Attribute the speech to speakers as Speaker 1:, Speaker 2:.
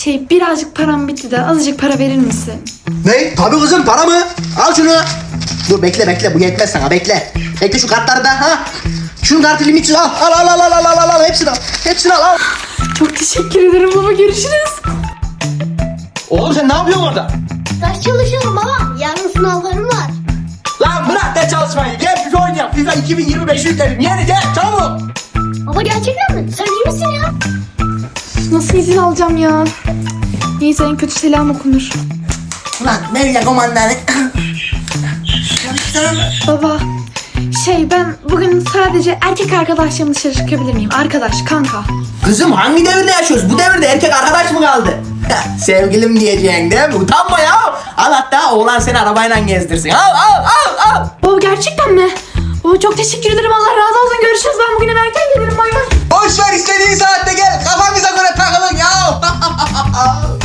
Speaker 1: Birazcık param bitti de azıcık para verir misin?
Speaker 2: Ne? Tabii kızım, para mı? Al şunu. Dur bekle, bu yetmez sana, bekle. Bekle şu kartları da ha. Şunun kartı limitsiz, al hepsini al.
Speaker 1: Çok teşekkür ederim baba, görüşürüz.
Speaker 2: Oğlum sen ne yapıyorsun orada?
Speaker 3: Ders çalışıyorum baba. Yarın sınavlarım var.
Speaker 2: Lan bırak da çalışmayı, gel biz oynayalım. FIFA 2025 yükledim, yeni gel çabuk.
Speaker 3: Baba gerçekten mi? Sen iyi misin ya?
Speaker 1: Nasıl izin alacağım ya? Neyse, en kötü selam okunur.
Speaker 2: Ulan nereye komandanı?
Speaker 1: Baba, ben bugün sadece erkek arkadaşlarımla dışarı çıkabilir miyim? Arkadaş, kanka.
Speaker 2: Kızım hangi devirde yaşıyoruz? Bu devirde erkek arkadaş mı kaldı? Sevgilim diyeceksin değil mi? Utanma ya. Al hatta oğlan seni arabayla gezdirsin. Al.
Speaker 1: Baba gerçekten mi? Baba çok teşekkür ederim, Allah razı olsun, görüşürüz. Ben bugün erken gelirim, bay bay.
Speaker 2: Boş ver, istediğin saatte gel. Kafamıza göre takılın ya.